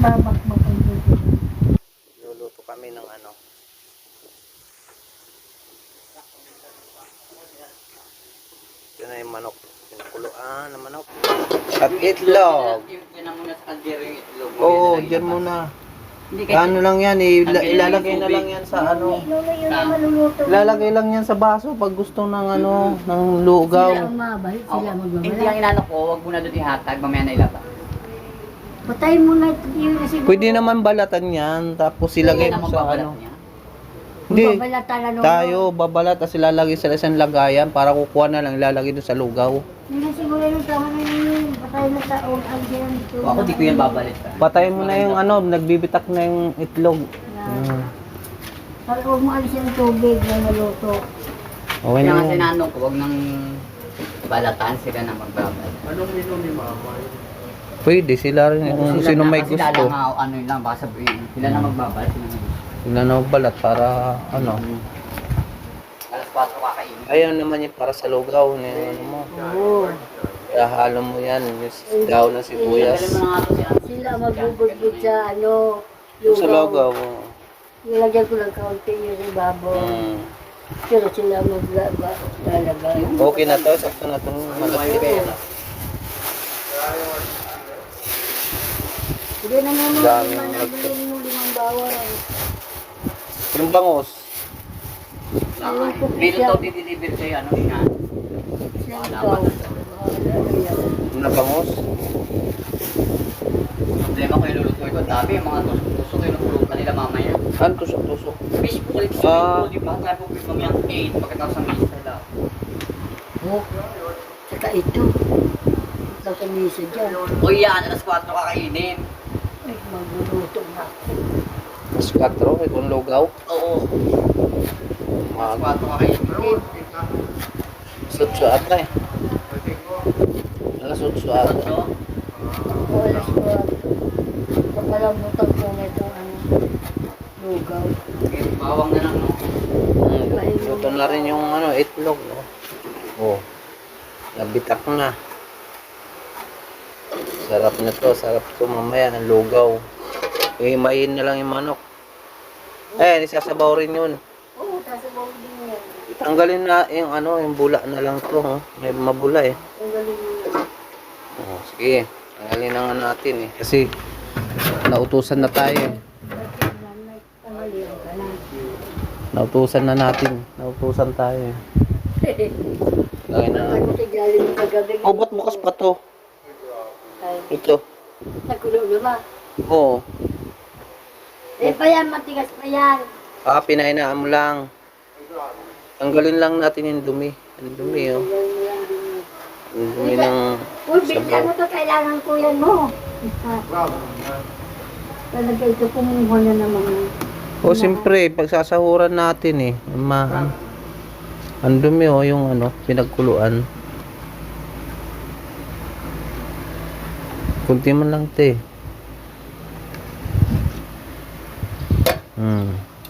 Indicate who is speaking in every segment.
Speaker 1: babakbak ang tubig.
Speaker 2: Luluto kami ng ano. Ito na yung manok. Pinakuluan ng manok. At itlog.
Speaker 3: Yan ang muna sa kaldero yung itlog.
Speaker 2: Oo, dyan muna.
Speaker 3: Hindi kasi
Speaker 2: Ano lang yan, ilalagay na lang yan sa ano.
Speaker 1: Lolo, yun ang maluluto.
Speaker 2: Ilalagay lang yan sa baso pag gusto ng ano, ng lugaw.
Speaker 1: Sila ang mabait, sila
Speaker 3: hindi
Speaker 1: magbabala.
Speaker 3: ang inano ko, wag mo na doon ihatag, mamaya na ilaba.
Speaker 1: Patayin mo na ito yun kasi.
Speaker 2: Pwede naman balatan yan, tapos ilagay mo sa ano. Hindi,
Speaker 1: Babalatan na
Speaker 2: tayo babalat at ilalagay sa isang lagayan para kukuha na lang ilalagay doon sa lugaw.
Speaker 1: Hindi siguro yung tama na yun. Patayin na sa ang dyan ito.
Speaker 3: Ako di ko yan babalit.
Speaker 2: Patayin mo na yung ano, nagbibitak na yung itlog.
Speaker 1: Para huwag mo alis yung tubig na maluto.
Speaker 2: Okay
Speaker 3: Kaya
Speaker 2: na
Speaker 3: nga
Speaker 2: yan.
Speaker 3: sinanong ko, wag nang balatan sila na magbabal.
Speaker 2: Pwede, sila rin kung sino may
Speaker 3: Sila
Speaker 2: gusto.
Speaker 3: lang, ano yun lang, baka sabihin. Sila na magbabal, sila na gusto.
Speaker 2: Sila na balat para ano.
Speaker 3: Alas 4 kakainin.
Speaker 2: Ayaw naman yung para sa lugaw. Ano mo.
Speaker 1: Oo.
Speaker 2: Kaya halo mo yan, yung daw ng sibuyas.
Speaker 3: Galing mo na nga to siya.
Speaker 1: Sila magbubudbud sa ano.
Speaker 2: Sa lugaw.
Speaker 1: Nilagyan ko lang kaunti yung ibabaw.
Speaker 2: Mm.
Speaker 1: Pero sila maglalagay.
Speaker 2: Okay na to, sakto na itong malaki.
Speaker 1: Hindi na naman
Speaker 2: Daming
Speaker 1: manabilin mo 5 bawang.
Speaker 2: Yung bangos.
Speaker 3: Bilo to dideliver sa'yo, ano nga.
Speaker 1: Sila ikaw.
Speaker 2: Yung na bangos.
Speaker 3: Problema ko yung lulutuin ko. Sabi, yung mga tusok-tusok yung lulutuin nila mamaya.
Speaker 2: Ano tusok-tusok?
Speaker 3: Fish po ulit
Speaker 2: Ah.
Speaker 3: sa di ba? Sabi ko, mamaya 8 pagkatapos ng misa nila.
Speaker 1: Oh. Saka ito. Ito sa misa dyan.
Speaker 3: O yan, alas 4 kakainin.
Speaker 1: Ay, magluluto na ako.
Speaker 2: Mas 4, kung lugaw.
Speaker 3: Oo, alas
Speaker 2: Mag
Speaker 3: 4 kakainin.
Speaker 2: sutso ata eh. Alas sutso ata.
Speaker 3: So,
Speaker 1: O alas ko. Papalamutan ko na ito ano. Lugaw.
Speaker 3: bawang na lang, no?
Speaker 2: Luto na rin yung ano, itlog, no? Oh. Nabitak na. Sarap na to, sarap to mamaya ng lugaw. Imayin na lang yung manok. Eh, isasabaw rin yun.
Speaker 1: Oo, sasabaw din yan.
Speaker 2: Tanggalin na yung ano, yung bula na lang to, oh. May mabula eh.
Speaker 1: Ang galing mo yan.
Speaker 2: Oh, sige, tanggalin na nga natin eh. Kasi nautusan na tayo eh.
Speaker 1: Pangaliyan ka na.
Speaker 2: Nautusan na natin. Nautusan tayo eh. Lagay na
Speaker 1: Ako
Speaker 2: natin.
Speaker 1: galing mo kagabi.
Speaker 2: Oh, ba't bukas pa to?
Speaker 1: Ay,
Speaker 2: Ito.
Speaker 1: nakulo naman.
Speaker 2: Oo.
Speaker 1: Eh pa yan, matigas pa yan.
Speaker 2: Ah, pinahinaan mo lang. Tanggalin lang natin yung dumi. Yung dumi, oh. Yung dumi ng
Speaker 1: Uy, binta mo to, kailangan ko yan mo. Talaga ito, kumuha na naman.
Speaker 2: oh, siyempre, pagsasahuran natin eh. Ang dumi, oh, yung ano, pinagkuluan. Kunti man lang, te. Hmm.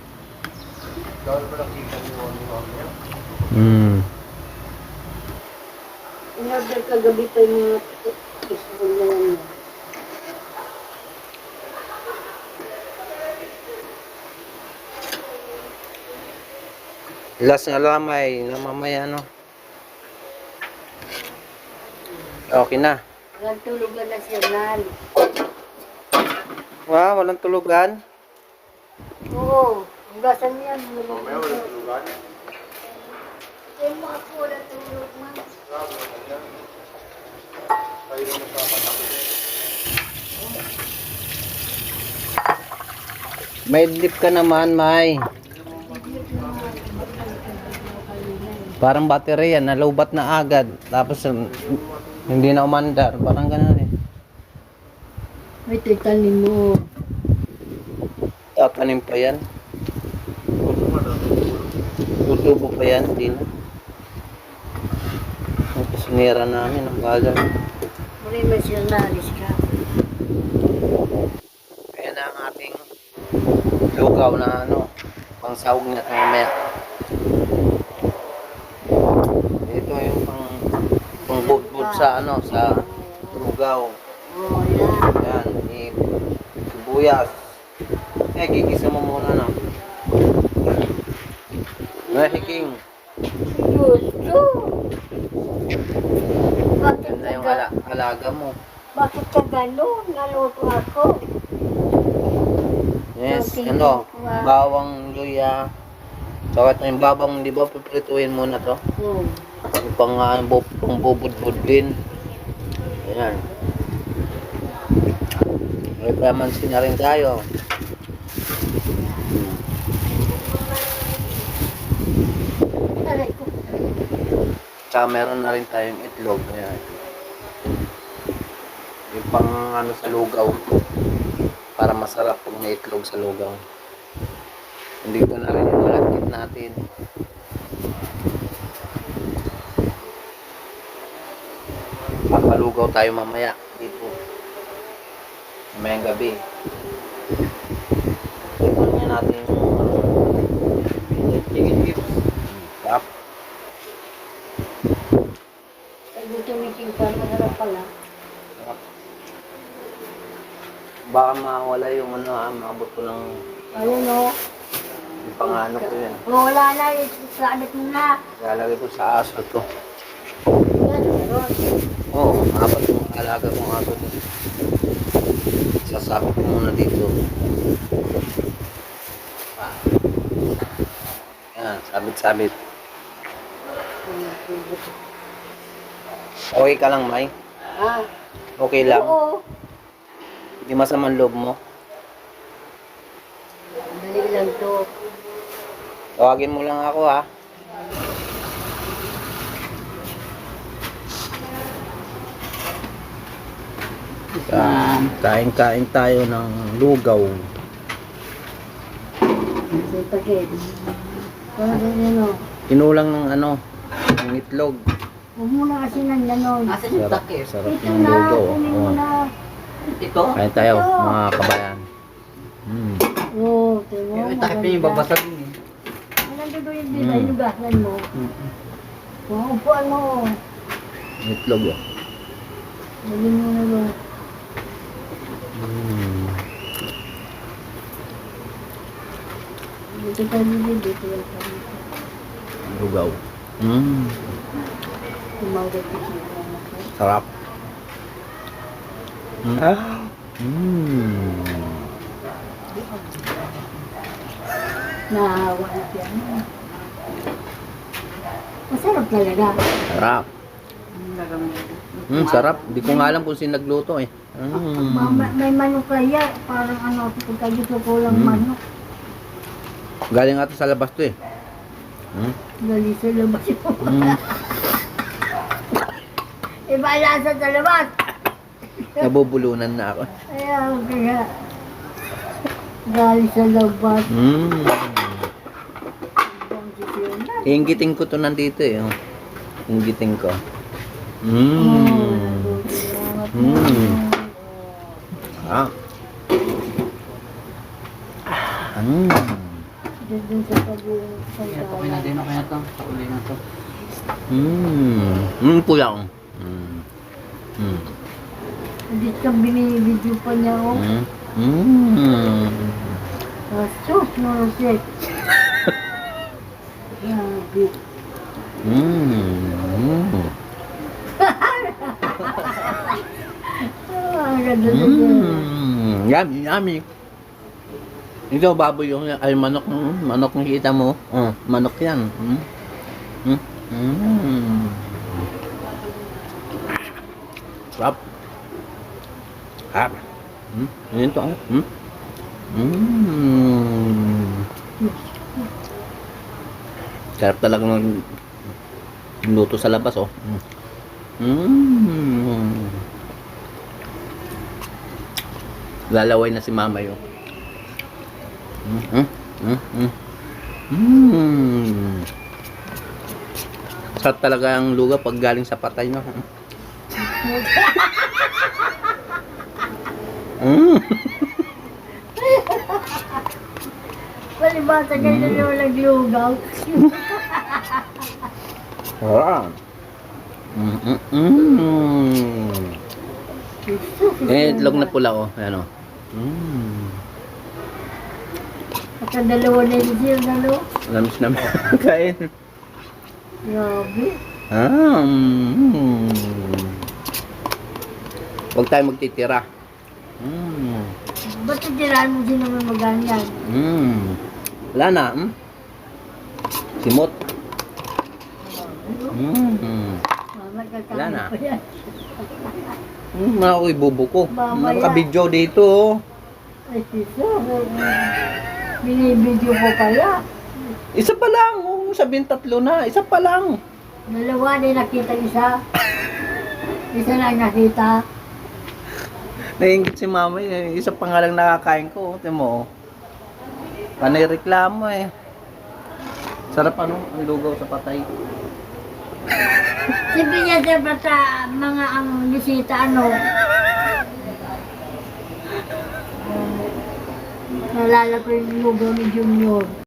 Speaker 2: Hmm.
Speaker 1: In-order kagabi pa yung mga isbol na yan.
Speaker 2: Last na lamay na mamaya, no? Okay na.
Speaker 1: Walang tulugan na siya nan.
Speaker 2: Wow, walang tulugan.
Speaker 1: Oo, hugasan yan. Mamaya walang tulugan? Eh, mga po, walang tulog man.
Speaker 2: May dip ka naman, May. Parang baterya, nalubat na agad. Tapos, hindi na umandar. Parang ganun eh.
Speaker 1: May titanin mo.
Speaker 2: Tatanim pa yan. Tutubo pa yan, hindi na. Ang kasunira namin, ang bagal.
Speaker 1: Muli may sinalis ka.
Speaker 2: Kaya na ang ating lugaw na ano, pang sahog na mamaya. Ito yung pang budbud sa ano, sa lugaw.
Speaker 1: Oo, yan.
Speaker 2: Yan, sibuyas. Gigisa mo muna, no? Hiking.
Speaker 1: Gusto. Bakit
Speaker 2: Ganda
Speaker 1: ka
Speaker 2: yung
Speaker 1: ga-
Speaker 2: alaga mo.
Speaker 1: Bakit ka ganun? Naluto ako.
Speaker 2: Yes,
Speaker 1: Okay.
Speaker 2: bawang luya. So, ito yung babang, di ba, piprituin muna to. Yung pang bubud-bud din. Ayan. May kamansin na rin tayo.
Speaker 1: Aray ko.
Speaker 2: Tsaka meron na rin tayong itlog. Ayan. Yung pang ano sa lugaw. Para masarap pag may itlog sa lugaw. Hindi ko na rin yung malagkit natin. Papalugaw tayo mamaya dito. Mamayang gabi. Tignan niya natin yung chicken chips. Tap.
Speaker 1: Sabi tumiting pa, masarap pala.
Speaker 2: Baka mawala yung maabot ko ng
Speaker 1: Ayun o.
Speaker 2: yung pangano ko yun.
Speaker 1: Wala na, isasabit mo na.
Speaker 2: Lalagay ko sa aso to.
Speaker 1: Yan, meron.
Speaker 2: Oo, apat yung alaga kong aso to. Sasabit ko muna dito. Yan, sabit-sabit. Okay ka lang, May?
Speaker 1: Ah,
Speaker 2: Okay lang?
Speaker 1: oo.
Speaker 2: Hindi masamang loob mo?
Speaker 1: Dali lang to.
Speaker 2: Tawagin mo lang ako, ha? Kain-kain tayo ng lugaw.
Speaker 1: Sa pagkain. Parang yan o.
Speaker 2: Kinulang ng ng itlog.
Speaker 1: Huwag mo na kasi nang ganon.
Speaker 3: Asan yung
Speaker 2: Sarap,
Speaker 3: takip?
Speaker 2: sarap
Speaker 1: Ito
Speaker 2: ng
Speaker 1: na,
Speaker 2: lugaw.
Speaker 1: kunin mo
Speaker 2: Oh.
Speaker 1: na.
Speaker 3: Ito?
Speaker 2: Kain tayo, mga kabayan.
Speaker 1: Oo, ito mo.
Speaker 3: Yung takip niya yung babasagin eh.
Speaker 1: Nandito yung dito, inugasan mo. Upuan mo.
Speaker 2: Itlog, oh.
Speaker 1: Lagyan mo na lo. Dito tayo dito lang tayo.
Speaker 2: Lugaw.
Speaker 1: Tumawag ko siya.
Speaker 2: Sarap.
Speaker 1: Nahawa na siya. Masarap talaga.
Speaker 2: Sarap. Sarap. Di ko nga alam kung sino nagluto, eh.
Speaker 1: May manok kaya. Parang ano, pagka dito ko lang manok.
Speaker 2: Galing nga to sa labas to, eh.
Speaker 1: Gali sa labas yun. Iba lasa sa labas.
Speaker 2: Nabubulunan na ako.
Speaker 1: Kaya gali sa labas.
Speaker 2: Inggitin ko to nandito, eh. Oh. Inggitin ko. Ah.
Speaker 1: Doon sa pag-uwi sa
Speaker 3: Okay na din, okay na to. Sa uli na to.
Speaker 2: Kulang.
Speaker 1: Hindi ka binibidyo pa niya ako. Sus, marusik. Grabe. Ang ganda na
Speaker 2: Yummy, yummy. Ito, baboy yung, ay manok, manok yung kita mo. Manok yan. Sarap. Sarap. Yun to, Sarap talaga ng luto sa labas, oh. Lalaway na si mama yun. Sarap talaga ang lugaw pag galing sa patay, no?
Speaker 1: Palibasa kayo na naman naglugaw.
Speaker 2: Sarap. Eh, itlog na pula, oh. Ayan, oh.
Speaker 1: Sa dalawa na yun siya, dalawa.
Speaker 2: Lamis na kain.
Speaker 1: Grabe.
Speaker 2: Huwag tayo magtitira.
Speaker 1: Ba't titirahan mo din naman maganyan?
Speaker 2: Wala na. Simot. Wala na.
Speaker 1: Magkakain pa yan.
Speaker 2: Mga ako'y bubo ko.
Speaker 1: Mamaya.
Speaker 2: Nakabidyo dito. Oh.
Speaker 1: Ay, siso. Binibidyo ko kaya.
Speaker 2: Isa pa lang. Sabihin 3 na. Isa pa lang.
Speaker 1: Dalawa na nakita isa. Isa lang nakita.
Speaker 2: Naingit si mama eh. Isa pa nga lang nakakain ko. Tingnan mo. Panay reklamo eh. Sarap ano? Ang lugaw sa patay.
Speaker 1: Siyempre niya siyempre sa mga ang bisita ano. Nalala ko yung lugaw ni Junior.